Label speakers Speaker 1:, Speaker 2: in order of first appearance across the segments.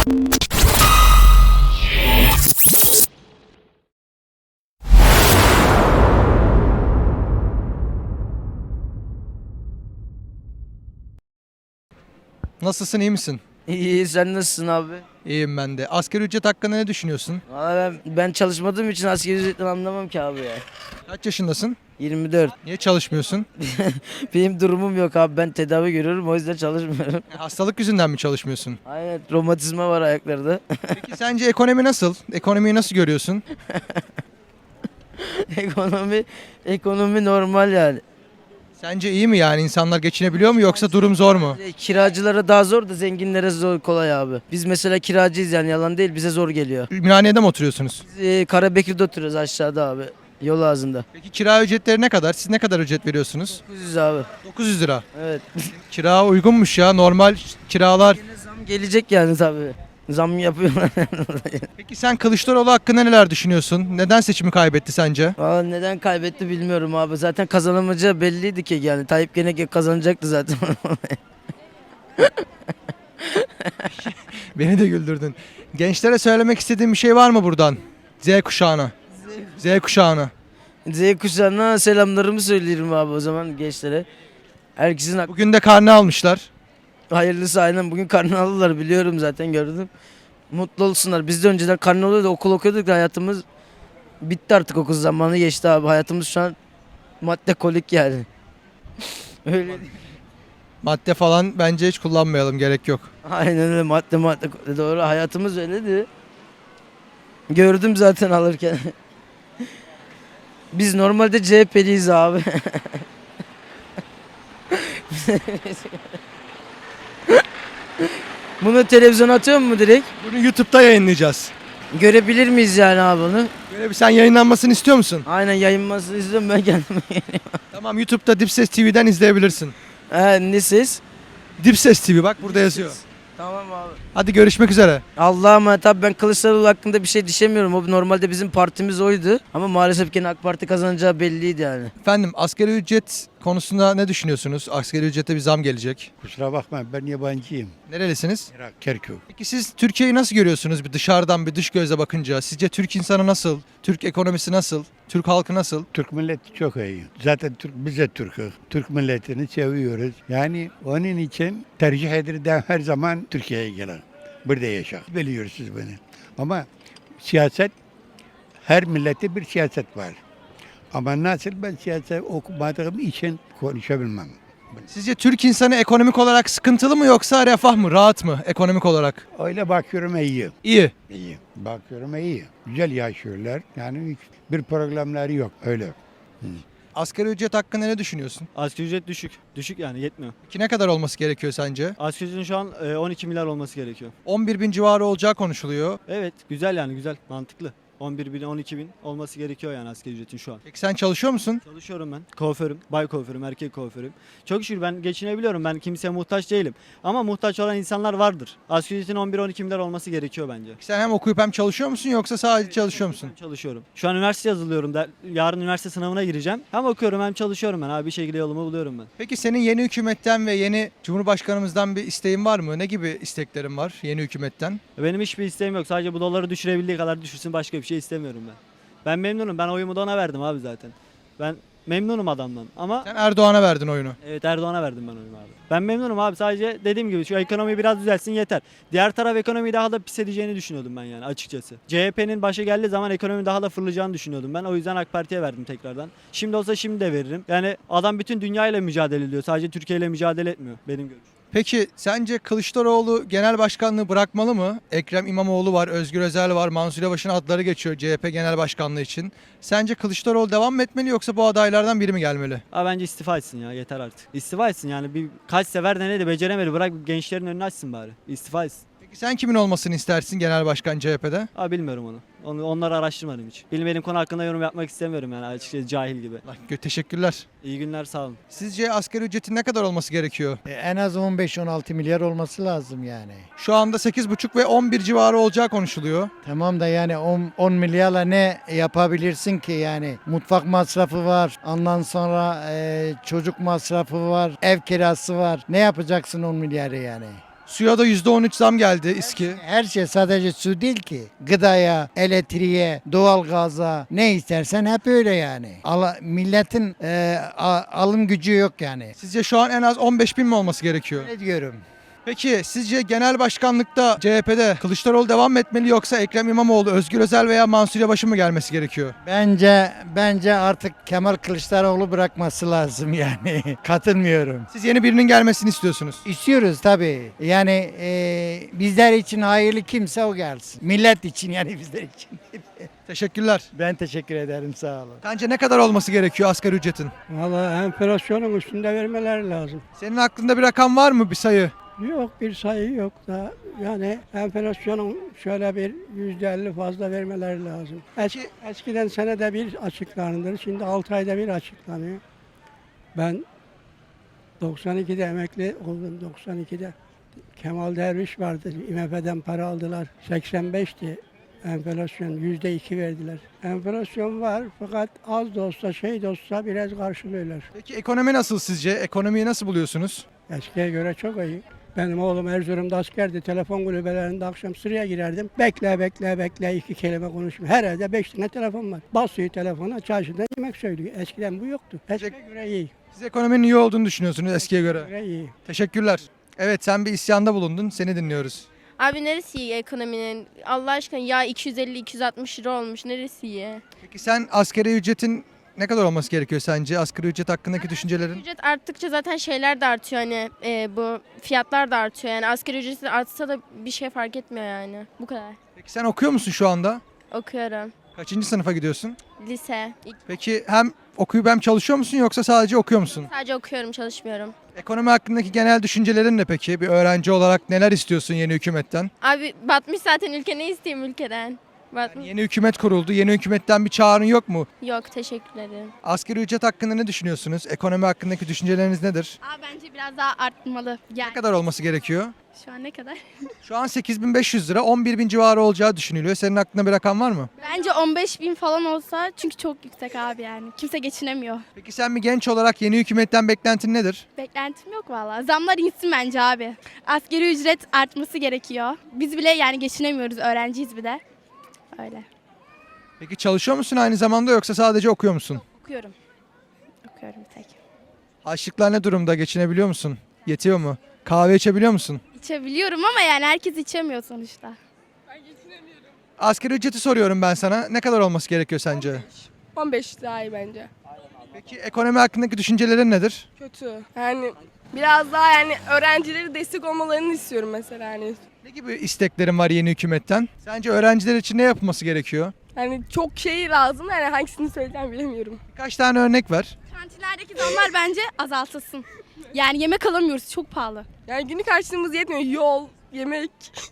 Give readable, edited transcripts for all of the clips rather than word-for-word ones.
Speaker 1: Nasılsın, iyi misin?
Speaker 2: İyi, sen nasılsın abi?
Speaker 1: İyiyim ben de. Asgari ücret hakkında ne düşünüyorsun?
Speaker 2: Valla ben çalışmadığım için asgari ücretten anlamam ki abi ya.
Speaker 1: Kaç yaşındasın?
Speaker 2: 24.
Speaker 1: Niye çalışmıyorsun?
Speaker 2: Benim durumum yok abi, ben tedavi görüyorum, o yüzden çalışmıyorum.
Speaker 1: Hastalık yüzünden mi çalışmıyorsun?
Speaker 2: Aynen, romatizma var ayaklarda.
Speaker 1: Peki sence ekonomi nasıl? Ekonomiyi nasıl görüyorsun?
Speaker 2: ekonomi normal yani.
Speaker 1: Sence iyi mi yani? İnsanlar geçinebiliyor mu yoksa durum zor mu?
Speaker 2: Kiracılara daha zor da zenginlere zor, kolay abi. Biz mesela kiracıyız, yani yalan değil, bize zor geliyor.
Speaker 1: Ümraniye'de mi oturuyorsunuz?
Speaker 2: Biz Karabekir'de oturuyoruz, aşağıda abi. Yol ağzında.
Speaker 1: Peki kira ücretleri ne kadar? Siz ne kadar ücret veriyorsunuz?
Speaker 2: 900 abi.
Speaker 1: 900 lira.
Speaker 2: Evet.
Speaker 1: Kira uygunmuş ya. Normal kiralar.
Speaker 2: Yine zam gelecek yani tabii. Zam yapıyorlar.
Speaker 1: Peki sen Kılıçdaroğlu hakkında neler düşünüyorsun? Neden seçimi kaybetti sence?
Speaker 2: Valla neden kaybetti bilmiyorum abi. Zaten kazanamayacağı belliydi ki, yani Tayyip gene kazanacaktı zaten.
Speaker 1: Beni de güldürdün. Gençlere söylemek istediğin bir şey var mı buradan? Z kuşağına. Z kuşağına.
Speaker 2: Z kuşağına selamlarımı söylerim abi o zaman gençlere. Herkesin
Speaker 1: Bugün de karne almışlar.
Speaker 2: hayırlısı, aynen bugün karne aldılar, biliyorum zaten, gördüm. Mutlu olsunlar. Biz de önceden karne oluyordu, okul okuyorduk da hayatımız bitti artık, okul zamanı geçti abi. Hayatımız şu an madde kolik yani. Öyle.
Speaker 1: Madde falan bence hiç kullanmayalım, gerek yok.
Speaker 2: Aynen öyle, madde doğru, hayatımız öyleydi. Gördüm zaten alırken. Biz normalde CHP'liyiz abi. Bunu televizyona atıyor mu direkt?
Speaker 1: Bunu YouTube'da yayınlayacağız.
Speaker 2: Görebilir miyiz yani abi bunu?
Speaker 1: Böyle bir sen yayınlanmasını istiyor musun?
Speaker 2: Aynen, yayınmasını izliyorum ben kendime.
Speaker 1: Tamam, YouTube'da Dipses TV'den izleyebilirsin.
Speaker 2: Ne ses?
Speaker 1: Dipses TV bak burada yazıyor.
Speaker 2: Tamam abi.
Speaker 1: Hadi görüşmek üzere.
Speaker 2: Allah'a emanet abi, ben Kılıçdaroğlu hakkında bir şey diyemiyorum. O normalde bizim partimiz oydu. Ama maalesef gene AK Parti kazanacağı belliydi yani.
Speaker 1: Efendim, asgari ücret konusunda ne düşünüyorsunuz? Asgari ücrete bir zam gelecek.
Speaker 3: Kusura bakma, ben yabancıyım.
Speaker 1: Nerelisiniz?
Speaker 3: Irak, Kerkük.
Speaker 1: Peki siz Türkiye'yi nasıl görüyorsunuz bir dışarıdan, bir dış gözle bakınca? Sizce Türk insanı nasıl? Türk ekonomisi nasıl? Türk halkı nasıl?
Speaker 3: Türk milleti çok iyi. Zaten biz de Türk'üz. Türk milletini seviyoruz. Yani onun için tercih ederim her zaman Türkiye'ye gelen. Burada yaşa. Biliyorsunuz beni. Ama siyaset, her millette bir siyaset var. Ama nasıl, ben siyaset okumadığım için konuşabilmem.
Speaker 1: Sizce Türk insanı ekonomik olarak sıkıntılı mı yoksa refah mı, rahat mı ekonomik olarak?
Speaker 3: Öyle bakıyorum iyi.
Speaker 1: İyi.
Speaker 3: İyi. Bakıyorum iyi. Güzel yaşıyorlar. Yani bir problemleri yok. Öyle.
Speaker 1: Asgari ücret hakkında ne düşünüyorsun?
Speaker 4: Asgari ücret düşük. Düşük yani, yetmiyor.
Speaker 1: Ki ne kadar olması gerekiyor sence?
Speaker 4: Asgari ücretin şu an 12 milyar olması gerekiyor.
Speaker 1: 11 bin civarı olacağı konuşuluyor.
Speaker 4: Evet, güzel yani, güzel, mantıklı. 11 bin, 12 bin olması gerekiyor yani asgari ücretin şu an.
Speaker 1: Peki sen çalışıyor musun?
Speaker 4: Çalışıyorum ben. Kuaförüm, bay kuaförüm, erkek kuaförüm. Çok şükür ben geçinebiliyorum. Ben kimseye muhtaç değilim. Ama muhtaç olan insanlar vardır. Asgari ücretin 11-12 milyar olması gerekiyor bence.
Speaker 1: Sen hem okuyup hem çalışıyor musun yoksa sadece çalışıyor musun?
Speaker 4: Ben çalışıyorum. Şu an üniversite yazılıyorum. Yarın üniversite sınavına gireceğim. Hem okuyorum hem çalışıyorum ben abi. Bir şekilde yolumu buluyorum ben.
Speaker 1: Peki senin yeni hükümetten ve yeni Cumhurbaşkanımızdan bir isteğin var mı? Ne gibi isteklerin var yeni hükümetten?
Speaker 4: Benim hiçbir isteğim yok. Sadece bu doları düşürebildiği kadar düşürsün. Başka bir şey istemiyorum ben. Ben memnunum. Ben oyumu da ona verdim abi zaten. Ben memnunum adamdan. Ama
Speaker 1: Sen Erdoğan'a verdin oyunu.
Speaker 4: evet, Erdoğan'a verdim ben oyumu abi. Ben memnunum abi. Sadece dediğim gibi şu ekonomi biraz düzelsin yeter. Diğer taraf ekonomiyi daha da pis edeceğini düşünüyordum ben yani, açıkçası. CHP'nin başa geldiği zaman ekonomi daha da fırlayacağını düşünüyordum ben. O yüzden AK Parti'ye verdim tekrardan. Şimdi olsa şimdi de veririm. Yani adam bütün dünyayla mücadele ediyor. Sadece Türkiye ile mücadele etmiyor benim görüşüm.
Speaker 1: Peki sence Kılıçdaroğlu genel başkanlığı bırakmalı mı? Ekrem İmamoğlu var, Özgür Özel var, Mansur Yavaş'ın adları geçiyor CHP genel başkanlığı için. Sence Kılıçdaroğlu devam mı etmeli yoksa bu adaylardan biri mi gelmeli?
Speaker 4: Abi bence istifa etsin ya, yeter artık. İstifa etsin yani, bir kaç sefer denedi, beceremedi. Bırak gençlerin önünü açsın bari. İstifa etsin.
Speaker 1: Peki sen kimin olmasını istersin genel başkan CHP'de?
Speaker 4: Abi bilmiyorum onu. Onları araştırmadım hiç. Bilmediğim konu hakkında yorum yapmak istemiyorum yani, açıkçası cahil gibi.
Speaker 1: Teşekkürler.
Speaker 4: İyi günler, sağ olun.
Speaker 1: Sizce asgari ücretin ne kadar olması gerekiyor?
Speaker 5: En az 15-16 milyar olması lazım yani.
Speaker 1: Şu anda 8,5 ve 11 civarı olacağı konuşuluyor.
Speaker 5: Tamam da yani 10 milyarla ne yapabilirsin ki yani? Mutfak masrafı var, ondan sonra çocuk masrafı var, ev kirası var. Ne yapacaksın 10 milyarı yani?
Speaker 1: Suya da %13 zam geldi İSKİ.
Speaker 5: Her şey sadece su değil ki. Gıdaya, elektriğe, doğalgaza ne istersen hep öyle yani. Milletin alım gücü yok yani.
Speaker 1: Sizce şu an en az 15 bin mi olması gerekiyor?
Speaker 5: Ne diyorum?
Speaker 1: Peki sizce genel başkanlıkta CHP'de Kılıçdaroğlu devam mı etmeli yoksa Ekrem İmamoğlu, Özgür Özel veya Mansur Yavaş'ın mı gelmesi gerekiyor?
Speaker 5: Bence artık Kemal Kılıçdaroğlu bırakması lazım yani. Katılmıyorum.
Speaker 1: Siz yeni birinin gelmesini istiyorsunuz.
Speaker 5: İstiyoruz tabii. Yani bizler için hayırlı kimse o gelsin. Millet için yani bizler için.
Speaker 1: Teşekkürler.
Speaker 5: Ben teşekkür ederim, sağ olun.
Speaker 1: Sence ne kadar olması gerekiyor asgari ücretin?
Speaker 6: Valla enflasyonun üstünde vermeleri lazım.
Speaker 1: Senin aklında bir rakam var mı, bir sayı?
Speaker 6: Yok bir sayı yok da yani enflasyonun şöyle bir %50 fazla vermeleri lazım. Eskiden senede bir açıklanırdı. Şimdi 6 ayda bir açıklanıyor. Ben 92'de emekli oldum. 92'de Kemal Derviş vardı. IMF'den para aldılar. 85'ti. Enflasyon %2 verdiler. Enflasyon var fakat az da olsa şey de olsa biraz karşılıyorlar.
Speaker 1: Peki ekonomi nasıl sizce? Ekonomiyi nasıl buluyorsunuz?
Speaker 6: Eskiye göre çok iyi. Benim oğlum Erzurum'da askerdi. Telefon kulübelerinde akşam sıraya girerdim. Bekle iki kelime konuşma. Her evde 5 tane telefon var. Basıyor telefona çarşıda yemek söylüyor. Eskiden bu yoktu. Eskiye göre iyi.
Speaker 1: Siz ekonominin iyi olduğunu düşünüyorsunuz eskiye göre.
Speaker 6: Göre iyi.
Speaker 1: Teşekkürler. Evet, sen bir isyanda bulundun. Seni dinliyoruz.
Speaker 7: Abi neresi iyi ekonominin? Allah aşkına ya 250-260 lira olmuş. Neresi iyi?
Speaker 1: Peki sen asgari ücretin ne kadar olması gerekiyor sence? Asgari ücret hakkındaki düşüncelerin?
Speaker 7: Ücret arttıkça zaten şeyler de artıyor hani bu fiyatlar da artıyor. Yani asgari ücret artsa da bir şey fark etmiyor yani. Bu kadar.
Speaker 1: Peki sen okuyor musun şu anda?
Speaker 7: Okuyorum.
Speaker 1: Kaçıncı sınıfa gidiyorsun?
Speaker 7: Lise.
Speaker 1: Peki hem okuyup hem çalışıyor musun yoksa sadece okuyor musun?
Speaker 7: Sadece okuyorum, çalışmıyorum.
Speaker 1: Ekonomi hakkındaki genel düşüncelerin ne peki? Bir öğrenci olarak neler istiyorsun yeni hükümetten?
Speaker 7: Abi batmış zaten ülke, ne isteyeyim ülkeden? Batmış.
Speaker 1: Yeni hükümet kuruldu. Yeni hükümetten bir çağrın yok mu?
Speaker 7: Yok, teşekkür ederim.
Speaker 1: Asgari ücret hakkında ne düşünüyorsunuz? Ekonomi hakkındaki düşünceleriniz nedir?
Speaker 8: Aa, bence biraz daha artmalı.
Speaker 1: Ne
Speaker 8: Yani
Speaker 1: kadar olması gerekiyor?
Speaker 8: şu an ne kadar?
Speaker 1: Şu an 8.500 lira, 11.000 civarı olacağı düşünülüyor. Senin aklında bir rakam var mı?
Speaker 8: Bence 15.000 falan olsa çünkü çok yüksek abi yani. Kimse geçinemiyor.
Speaker 1: Peki sen bir genç olarak yeni hükümetten beklentin nedir?
Speaker 8: Beklentim yok valla. Zamlar insin bence abi. Asgari ücret artması gerekiyor. Biz bile yani geçinemiyoruz. Öğrenciyiz bir de. Öyle.
Speaker 1: Peki çalışıyor musun aynı zamanda yoksa sadece okuyor musun?
Speaker 8: Okuyorum. Okuyorum bir tek.
Speaker 1: Harçlıklar ne durumda? Geçinebiliyor musun? Yetiyor mu? Kahve içebiliyor musun?
Speaker 8: İçebiliyorum ama yani herkes içemiyor sonuçta.
Speaker 1: Asgari ücreti soruyorum ben sana. Ne kadar olması gerekiyor sence?
Speaker 9: 15 daha iyi bence.
Speaker 1: Peki ekonomi hakkındaki düşüncelerin nedir?
Speaker 9: Kötü. Yani biraz daha yani öğrencileri destek olmalarını istiyorum mesela hani.
Speaker 1: Ne gibi isteklerin var yeni hükümetten? Sence öğrenciler için ne yapılması gerekiyor?
Speaker 9: Yani çok şey lazım yani hangisini söyleyeceğim bilemiyorum.
Speaker 1: Birkaç tane örnek ver.
Speaker 8: Kantinlerdeki zamlar bence azaltılsın. Yani yemek alamıyoruz. Çok pahalı.
Speaker 9: Yani günlük harçlığımız yetmiyor. Yol, yemek.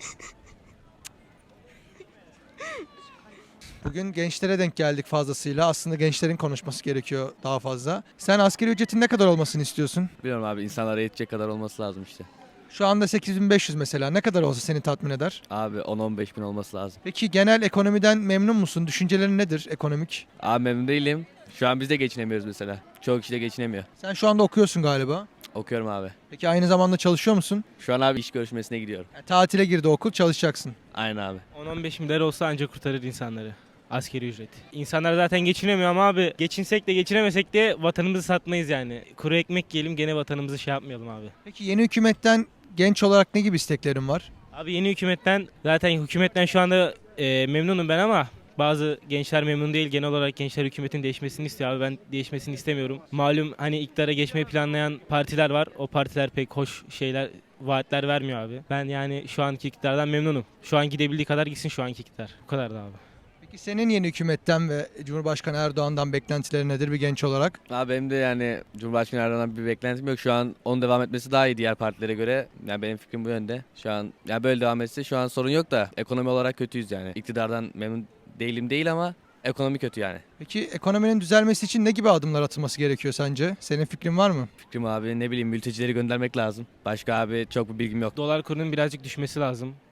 Speaker 1: Bugün gençlere denk geldik fazlasıyla. Aslında gençlerin konuşması gerekiyor daha fazla. Sen asgari ücretin ne kadar olmasını istiyorsun?
Speaker 10: Bilmiyorum abi, insanlara yetecek kadar olması lazım işte.
Speaker 1: Şu anda 8.500 mesela. Ne kadar olsa seni tatmin eder?
Speaker 10: Abi 10-15 bin olması lazım.
Speaker 1: Peki genel ekonomiden memnun musun? Düşüncelerin nedir ekonomik?
Speaker 10: Abi memnun değilim. Şu an biz de geçinemiyoruz mesela. Çoğu kişi de geçinemiyor.
Speaker 1: Sen şu anda okuyorsun galiba.
Speaker 10: Okuyorum abi.
Speaker 1: Peki aynı zamanda çalışıyor musun?
Speaker 10: Şu an abi iş görüşmesine gidiyorum.
Speaker 1: Yani tatile girdi okul, çalışacaksın.
Speaker 10: Aynen abi.
Speaker 11: 10-15 milyar olsa ancak kurtarır insanları. Askeri ücret. İnsanlar zaten geçinemiyor ama abi geçinsek de geçinemesek de vatanımızı satmayız yani. Kuru ekmek yiyelim gene vatanımızı şey yapmayalım abi.
Speaker 1: Peki yeni hükümetten genç olarak ne gibi isteklerin var?
Speaker 11: Abi yeni hükümetten şu anda memnunum ben ama bazı gençler memnun değil. Genel olarak gençler hükümetin değişmesini istiyor abi. Ben değişmesini istemiyorum. Malum hani iktidara geçmeyi planlayan partiler var. O partiler pek hoş vaatler vermiyor abi. Ben yani şu anki iktidardan memnunum. Şu an gidebildiği kadar gitsin şu anki iktidar. Bu kadar da abi.
Speaker 1: Peki senin yeni hükümetten ve Cumhurbaşkanı Erdoğan'dan beklentilerin nedir bir genç olarak?
Speaker 10: Abi benim de yani Cumhurbaşkanı Erdoğan'dan bir beklentim yok. Şu an onun devam etmesi daha iyi diğer partilere göre. Yani benim fikrim bu yönde. Şu an yani böyle devam etse şu an sorun yok da ekonomi olarak kötüyüz yani. İktidardan memnun değilim değil ama ekonomi kötü yani.
Speaker 1: Peki ekonominin düzelmesi için ne gibi adımlar atılması gerekiyor sence? Senin fikrin var mı?
Speaker 10: Fikrim abi ne bileyim mültecileri göndermek lazım. Başka abi çok bir bilgim yok.
Speaker 11: Dolar kurunun birazcık düşmesi lazım.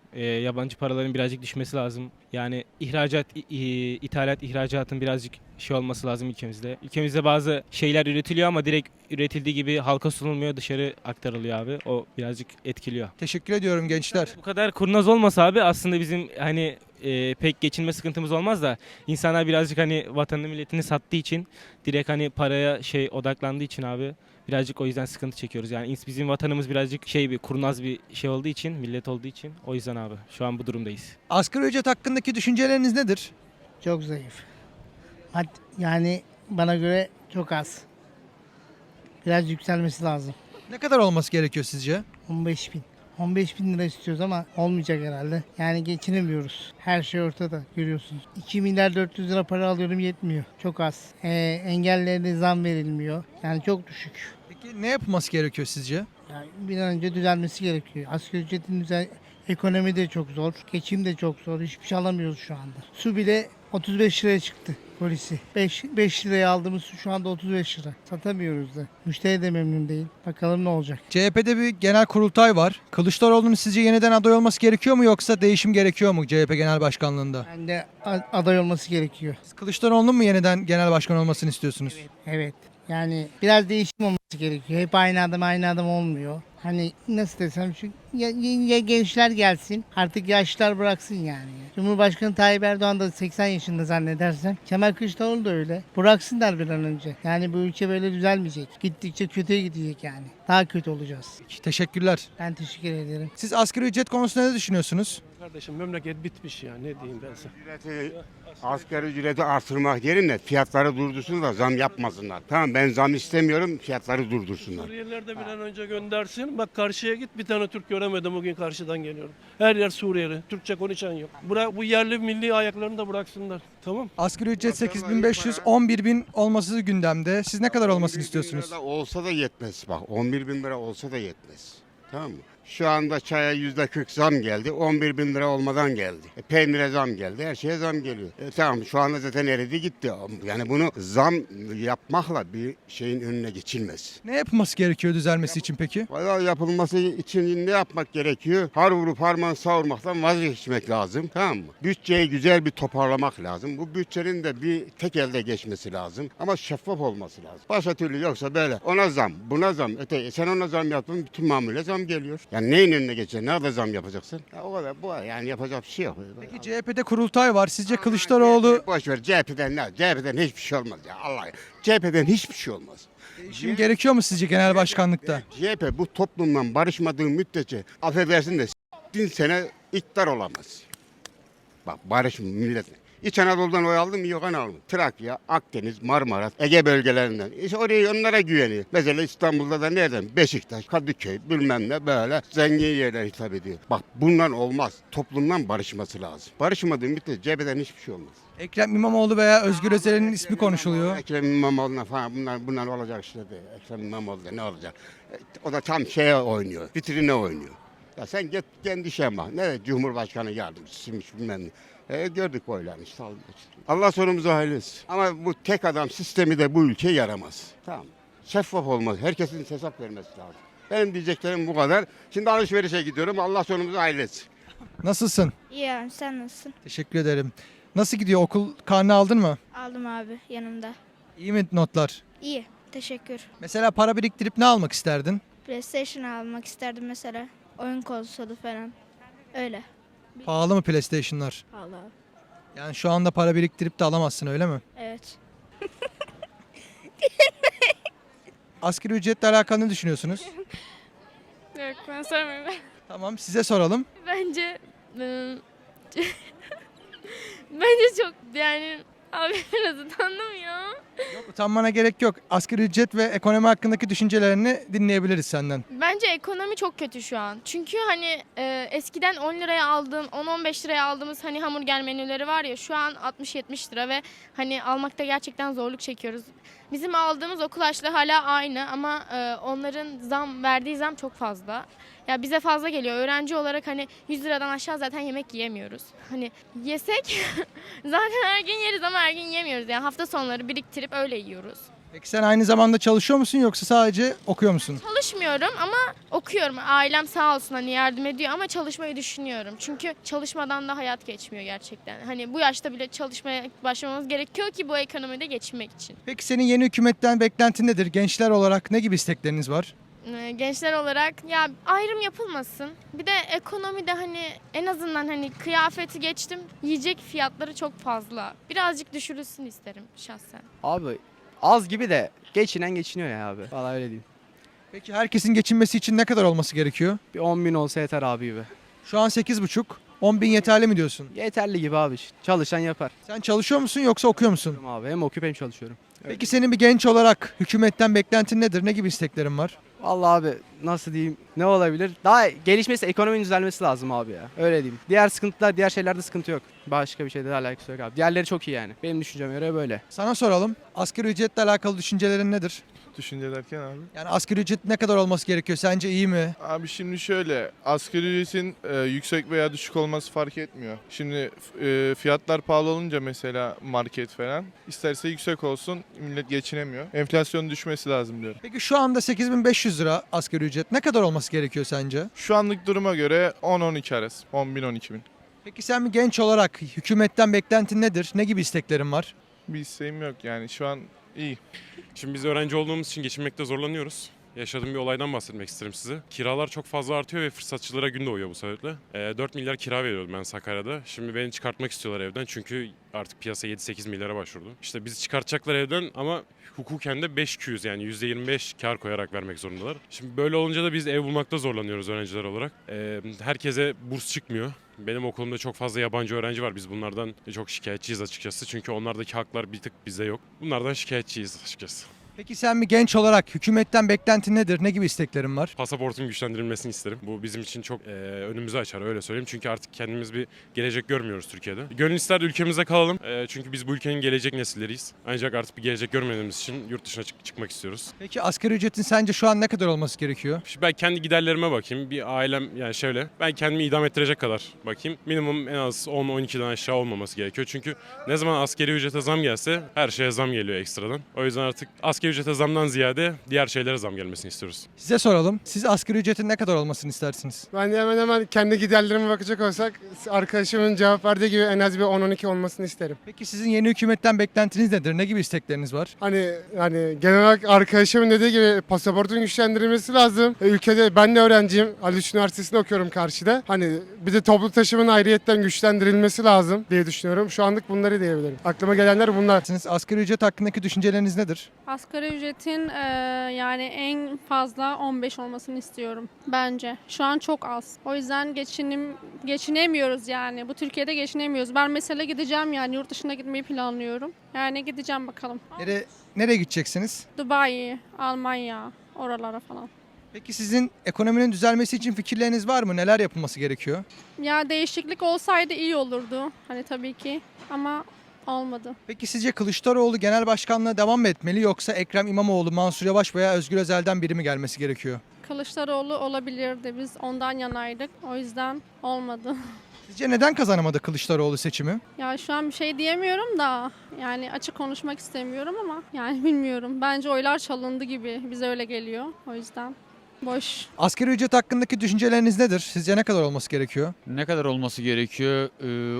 Speaker 11: Yabancı paraların birazcık düşmesi lazım. Yani ithalat, ihracatın birazcık şey olması lazım ülkemizde. Ülkemizde bazı şeyler üretiliyor ama direkt üretildiği gibi halka sunulmuyor, dışarı aktarılıyor abi. O birazcık etkiliyor.
Speaker 1: Teşekkür ediyorum gençler.
Speaker 11: Bu kadar kurnaz olmasa abi aslında bizim hani pek geçinme sıkıntımız olmaz da insanlar birazcık hani vatanını milletini sattığı için direkt hani paraya odaklandığı için abi birazcık o yüzden sıkıntı çekiyoruz. Yani bizim vatanımız birazcık bir kurnaz bir şey olduğu için, millet olduğu için o yüzden abi şu an bu durumdayız.
Speaker 1: Asgari ücret hakkındaki düşünceleriniz nedir?
Speaker 5: Çok zayıf. Yani bana göre çok az. Biraz yükselmesi lazım.
Speaker 1: Ne kadar olması gerekiyor sizce?
Speaker 5: 15 bin. 15 bin lira istiyoruz ama olmayacak herhalde. Yani geçinemiyoruz. Her şey ortada görüyorsunuz. 2 milyar 400 lira para alıyorum yetmiyor. Çok az. Engellilere zam verilmiyor. Yani çok düşük.
Speaker 1: Peki ne yapılması gerekiyor sizce?
Speaker 5: Yani bir an önce düzelmesi gerekiyor. Asgari ücretin ekonomi de çok zor. Geçim de çok zor. Hiçbir şey alamıyoruz şu anda. Su bile 35 liraya çıktı polisi. 5 liraya aldığımız su şu anda 35 lira. Satamıyoruz da. Müşteri de memnun değil. Bakalım ne olacak.
Speaker 1: CHP'de bir genel kurultay var. Kılıçdaroğlu'nun sizce yeniden aday olması gerekiyor mu yoksa değişim gerekiyor mu CHP genel başkanlığında?
Speaker 5: Bence aday olması gerekiyor.
Speaker 1: Siz Kılıçdaroğlu'nun mu yeniden genel başkan olmasını istiyorsunuz?
Speaker 5: Evet. Yani biraz değişim olması gerekiyor. Hep aynı adam olmuyor. Hani nasıl desem ya gençler gelsin artık yaşlılar bıraksın yani. Cumhurbaşkanı Tayyip Erdoğan da 80 yaşında zannedersem. Kemal Kılıçdaroğlu da öyle. Bıraksınlar bir an önce. Yani bu ülke böyle düzelmeyecek. Gittikçe kötüye gidecek yani. Daha kötü olacağız.
Speaker 1: Teşekkürler.
Speaker 5: Ben teşekkür ederim.
Speaker 1: Siz asgari ücret konusunda ne düşünüyorsunuz?
Speaker 12: Kardeşim memleket bitmiş ya, ne diyeyim ben sana.
Speaker 13: Asgari ücreti artırmak yerine fiyatları durdursun da zam yapmasınlar. Tamam, ben zam istemiyorum, fiyatları durdursunlar.
Speaker 12: Suriyeliler de bir an önce göndersin. Bak karşıya git, bir tane Türk göremedim bugün, karşıdan geliyorum. Her yer Suriyeli. Türkçe konuşan yok. Bu yerli milli ayaklarını da bıraksınlar. Tamam.
Speaker 1: Asgari ücret 8.500, 11.000 olması gündemde. Siz ne kadar olmasını istiyorsunuz?
Speaker 13: 11.000 lira da olsa da yetmez. Bak 11.000 lira olsa da yetmez. Tamam mı? Şu anda çaya %40 zam geldi. 11.000 lira olmadan geldi. Peynire zam geldi. Her şeye zam geliyor. Tamam, şu anda zaten eridi gitti. Yani bunu zam yapmakla bir şeyin önüne geçilmez.
Speaker 1: Ne yapılması gerekiyor düzelmesi için peki?
Speaker 13: Valla yapılması için ne yapmak gerekiyor? Har vurup harman savurmaktan vazgeçmek lazım. Tamam mı? Bütçeyi güzel bir toparlamak lazım. Bu bütçenin de bir tek elde geçmesi lazım. Ama şeffaf olması lazım. Başka türlü yoksa böyle ona zam, buna zam, sen ona zam yaptın, bütün mamule zam geliyor. Yani neyin önüne geçeceksin? Nerede zam yapacaksın? Ya o kadar, bu yani yapacak bir şey yok.
Speaker 1: Peki CHP'de kurultay var. Sizce Kılıçdaroğlu
Speaker 13: Boş ver, CHP'den ne? CHP'den hiçbir şey olmaz ya. Allah. CHP'den hiçbir şey olmaz.
Speaker 1: değişim gerekiyor mu sizce genel başkanlıkta?
Speaker 13: CHP bu toplumdan barışmadığı müddetçe affedersin de bin sene iktidar olamaz. Bak barış milletle. İç Anadolu'dan oy aldım mı? Yok, aldım. Trakya, Akdeniz, Marmara, Ege bölgelerinden. İşte oraya onlara güveniyor. Mesela İstanbul'da da nereden? Beşiktaş, Kadıköy, bilmem ne böyle zengin yerler hitap ediyor. Bak bundan olmaz. Toplumdan barışması lazım. Barışmadığı müddetçe CHP'den hiçbir şey olmaz.
Speaker 1: Ekrem İmamoğlu veya Özgür Özel'in ismi konuşuluyor.
Speaker 13: Ekrem İmamoğlu'na falan bunlar olacak işte değil. Ekrem İmamoğlu'da ne olacak? O da tam şeye oynuyor. Vitrine oynuyor. Ya sen git kendi işe bak. Ne Cumhurbaşkanı yardımcısıymış bilmem ne. Gördük oylarını işte. Allah sonumuzu hayırlı etsin. Ama bu tek adam sistemi de bu ülkeye yaramaz. Tamam. Şeffaf olmaz. Herkesin hesap vermesi lazım. Benim diyeceklerim bu kadar. Şimdi alışverişe gidiyorum. Allah sonumuzu hayırlı etsin.
Speaker 1: Nasılsın?
Speaker 8: İyi, sen nasılsın?
Speaker 1: Teşekkür ederim. Nasıl gidiyor? Okul karnı aldın mı?
Speaker 8: Aldım abi yanımda.
Speaker 1: İyi mi notlar?
Speaker 8: İyi, teşekkür.
Speaker 1: Mesela para biriktirip ne almak isterdin?
Speaker 8: PlayStation almak isterdim mesela. Oyun konsolu falan. Öyle.
Speaker 1: Pahalı mı PlayStation'lar?
Speaker 8: Allah.
Speaker 1: Yani şu anda para biriktirip de alamazsın öyle mi?
Speaker 8: Evet.
Speaker 1: Asgari ücretle alakalı ne düşünüyorsunuz?
Speaker 7: Yok, ben sormuyorum.
Speaker 1: Tamam, size soralım.
Speaker 7: Bence bence çok yani abi biraz utandım ya.
Speaker 1: Yok, utanmana gerek yok. Asgari ücret ve ekonomi hakkındaki düşüncelerini dinleyebiliriz senden.
Speaker 7: Bence ekonomi çok kötü şu an. Çünkü hani eskiden 10 liraya aldığım, 10-15 liraya aldığımız hani hamburger menüleri var ya şu an 60-70 lira ve hani almakta gerçekten zorluk çekiyoruz. Bizim aldığımız okul harçlığı hala aynı ama onların verdiği zam çok fazla. Ya bize fazla geliyor. Öğrenci olarak hani 100 liradan aşağı zaten yemek yiyemiyoruz. Hani yesek zaten her gün yeriz ama her gün yiyemiyoruz. Yani hafta sonları biriktirip öyle yiyoruz.
Speaker 1: Peki sen aynı zamanda çalışıyor musun yoksa sadece okuyor musun?
Speaker 7: Çalışmıyorum ama okuyorum. Ailem sağ olsun hani yardım ediyor ama çalışmayı düşünüyorum. Çünkü çalışmadan da hayat geçmiyor gerçekten. Hani bu yaşta bile çalışmaya başlamamız gerekiyor ki bu ekonomide geçinmek için.
Speaker 1: Peki senin yeni hükümetten beklentin nedir? Gençler olarak ne gibi istekleriniz var?
Speaker 7: Gençler olarak ya ayrım yapılmasın. Bir de ekonomide hani en azından hani kıyafeti geçtim. Yiyecek fiyatları çok fazla. Birazcık düşürülsün isterim şahsen.
Speaker 14: Abi az gibi de geçinen geçiniyor ya abi. Vallahi öyle diyeyim.
Speaker 1: Peki herkesin geçinmesi için ne kadar olması gerekiyor?
Speaker 14: Bir 10 bin olsa yeter abi gibi.
Speaker 1: Şu an 8,5. 10 bin yeterli mi diyorsun?
Speaker 14: Yeterli gibi abi. Çalışan yapar.
Speaker 1: Sen çalışıyor musun yoksa okuyor musun?
Speaker 14: Abi hem okuyup hem çalışıyorum.
Speaker 1: Peki senin bir genç olarak hükümetten beklentin nedir? Ne gibi isteklerin var?
Speaker 14: Vallahi abi nasıl diyeyim ne olabilir? Daha gelişmesi, ekonominin düzelmesi lazım abi ya. Öyle diyeyim. Diğer sıkıntılar, diğer şeylerde sıkıntı yok. Başka bir şeyde alakası yok abi. Diğerleri çok iyi yani. Benim düşünceme göre böyle.
Speaker 1: Sana soralım. Asgari ücretle alakalı düşüncelerin nedir?
Speaker 15: Düşünce derken abi?
Speaker 1: Yani asgari ücret ne kadar olması gerekiyor? Sence iyi mi?
Speaker 15: Abi şimdi şöyle, asgari ücretin yüksek veya düşük olması fark etmiyor. Şimdi fiyatlar pahalı olunca mesela market falan, isterse yüksek olsun, millet geçinemiyor. Enflasyon düşmesi lazım diyorum.
Speaker 1: Peki şu anda 8.500 lira asgari ücret ne kadar olması gerekiyor sence?
Speaker 15: Şu anlık duruma göre 10-12 arası, 10.000-12.000.
Speaker 1: Peki sen bir genç olarak hükümetten beklentin nedir? Ne gibi isteklerin var?
Speaker 15: Bir isteğim yok yani şu an iyi.
Speaker 16: Şimdi biz öğrenci olduğumuz için geçinmekte zorlanıyoruz. Yaşadığım bir olaydan bahsetmek isterim size. Kiralar çok fazla artıyor ve fırsatçılara gün doğuyor bu sebeple. 4 milyar kira veriyordum ben Sakarya'da. Şimdi beni çıkartmak istiyorlar evden çünkü artık piyasa 7-8 milyara başvurdu. İşte bizi çıkartacaklar evden ama hukuken de 5-200 yani %25 kar koyarak vermek zorundalar. Şimdi böyle olunca da biz ev bulmakta zorlanıyoruz öğrenciler olarak. Herkese burs çıkmıyor. Benim okulumda çok fazla yabancı öğrenci var. Biz bunlardan çok şikayetçiyiz açıkçası. Çünkü onlardaki haklar bir tık bizde yok. Bunlardan şikayetçiyiz açıkçası.
Speaker 1: Peki sen bir genç olarak hükümetten beklentin nedir? Ne gibi isteklerin var?
Speaker 16: Pasaportun güçlendirilmesini isterim. Bu bizim için çok önümüzü açar öyle söyleyeyim. Çünkü artık kendimiz bir gelecek görmüyoruz Türkiye'de. Gönül ister ülkemizde kalalım. Çünkü biz bu ülkenin gelecek nesilleriyiz. Ancak artık bir gelecek görmediğimiz için yurt dışına çıkmak istiyoruz.
Speaker 1: Peki asgari ücretin sence şu an ne kadar olması gerekiyor?
Speaker 16: Şimdi ben kendi giderlerime bakayım. Bir ailem yani şöyle. Ben kendimi idam ettirecek kadar bakayım. Minimum en az 10-12'den aşağı olmaması gerekiyor. Çünkü ne zaman asgari ücrete zam gelse her şeye zam geliyor ekstradan. O yüzden artık asgari ücrete zamdan ziyade diğer şeylere zam gelmesini istiyoruz.
Speaker 1: Size soralım. Siz asgari ücretin ne kadar olmasını istersiniz?
Speaker 17: Ben de hemen kendi giderlerime bakacak olsak arkadaşımın cevap verdiği gibi en az bir 10-12 olmasını isterim.
Speaker 1: Peki sizin yeni hükümetten beklentiniz nedir? Ne gibi istekleriniz var?
Speaker 17: Hani genel olarak arkadaşımın dediği gibi pasaportun güçlendirilmesi lazım. Ülkede ben de öğrenciyim. Haliç Üniversitesi'nde okuyorum karşıda. Hani bir de toplu taşımanın ayrıyetten güçlendirilmesi lazım diye düşünüyorum. Şu anlık bunları diyebilirim. Aklıma gelenler bunlar.
Speaker 1: Siz asgari ücret hakkındaki düşünceleriniz nedir?
Speaker 18: Asgari ücretin yani en fazla 15 olmasını istiyorum bence. Şu an çok az. O yüzden geçinemiyoruz yani. Bu Türkiye'de geçinemiyoruz. Ben mesela gideceğim yani yurt dışına gitmeyi planlıyorum. Yani gideceğim bakalım.
Speaker 1: Nereye gideceksiniz?
Speaker 18: Dubai, Almanya, oralara falan.
Speaker 1: Peki sizin ekonominin düzelmesi için fikirleriniz var mı? Neler yapılması gerekiyor?
Speaker 18: Ya değişiklik olsaydı iyi olurdu. Hani tabii ki ama olmadı.
Speaker 1: Peki sizce Kılıçdaroğlu genel başkanlığa devam mı etmeli yoksa Ekrem İmamoğlu, Mansur Yavaş veya Özgür Özel'den biri mi gelmesi gerekiyor?
Speaker 18: Kılıçdaroğlu olabilirdi. Biz ondan yanaydık. O yüzden olmadı.
Speaker 1: Sizce neden kazanamadı Kılıçdaroğlu seçimi?
Speaker 18: Ya şu an bir şey diyemiyorum da yani açık konuşmak istemiyorum ama yani bilmiyorum. Bence oylar çalındı gibi. Bize öyle geliyor. O yüzden boş.
Speaker 1: Asgari ücret hakkındaki düşünceleriniz nedir? Sizce ne kadar olması gerekiyor?
Speaker 19: Ne kadar olması gerekiyor?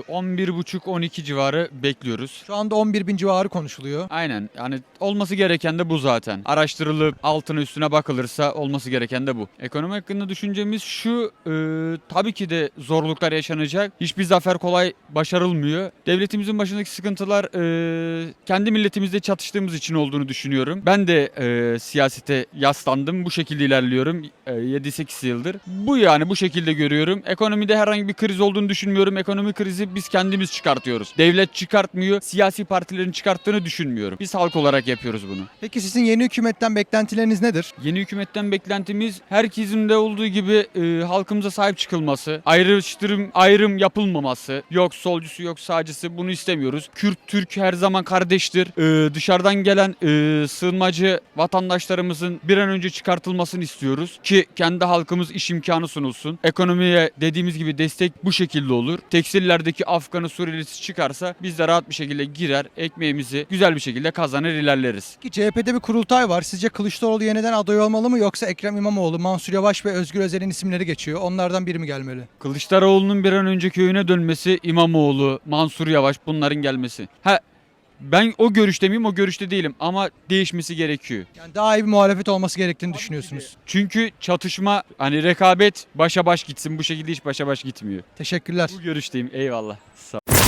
Speaker 19: 11,5-12 civarı bekliyoruz.
Speaker 1: Şu anda 11 bin civarı konuşuluyor.
Speaker 19: Aynen. Yani olması gereken de bu zaten. Araştırılıp altına üstüne bakılırsa olması gereken de bu. Ekonomi hakkında düşüncemiz şu. Tabii ki de zorluklar yaşanacak. Hiçbir zafer kolay başarılmıyor. Devletimizin başındaki sıkıntılar kendi milletimizle çatıştığımız için olduğunu düşünüyorum. Ben de siyasete yaslandım. Bu şekilde ilerliyorum. 7-8 yıldır. Bu yani bu şekilde görüyorum. Ekonomide herhangi bir kriz olduğunu düşünmüyorum. Ekonomi krizi biz kendimiz çıkartıyoruz. Devlet çıkartmıyor. Siyasi partilerin çıkarttığını düşünmüyorum. Biz halk olarak yapıyoruz bunu.
Speaker 1: Peki sizin yeni hükümetten beklentileriniz nedir?
Speaker 19: Yeni hükümetten beklentimiz herkesin de olduğu gibi halkımıza sahip çıkılması, ayrım yapılmaması, yok solcusu yok sağcısı bunu istemiyoruz. Kürt, Türk her zaman kardeştir. Dışarıdan gelen sığınmacı vatandaşlarımızın bir an önce çıkartılmasını istiyoruz. istiyoruz ki kendi halkımız iş imkanı sunulsun. Ekonomiye dediğimiz gibi destek bu şekilde olur. Tekstillerdeki Afganı Suriyelisi çıkarsa biz de rahat bir şekilde girer, ekmeğimizi güzel bir şekilde kazanır ilerleriz.
Speaker 1: Ki CHP'de bir kurultay var. Sizce Kılıçdaroğlu yeniden aday olmalı mı yoksa Ekrem İmamoğlu, Mansur Yavaş ve Özgür Özel'in isimleri geçiyor. Onlardan biri mi gelmeli?
Speaker 19: Kılıçdaroğlu'nun bir an önce köyüne dönmesi, İmamoğlu, Mansur Yavaş bunların gelmesi. Ben o görüşte miyim? O görüşte değilim ama değişmesi gerekiyor.
Speaker 1: Yani daha iyi bir muhalefet olması gerektiğini düşünüyorsunuz.
Speaker 19: Çünkü çatışma, hani rekabet başa baş gitsin. Bu şekilde hiç başa baş gitmiyor.
Speaker 1: Teşekkürler.
Speaker 19: Bu görüşteyim. Eyvallah. Sağ ol.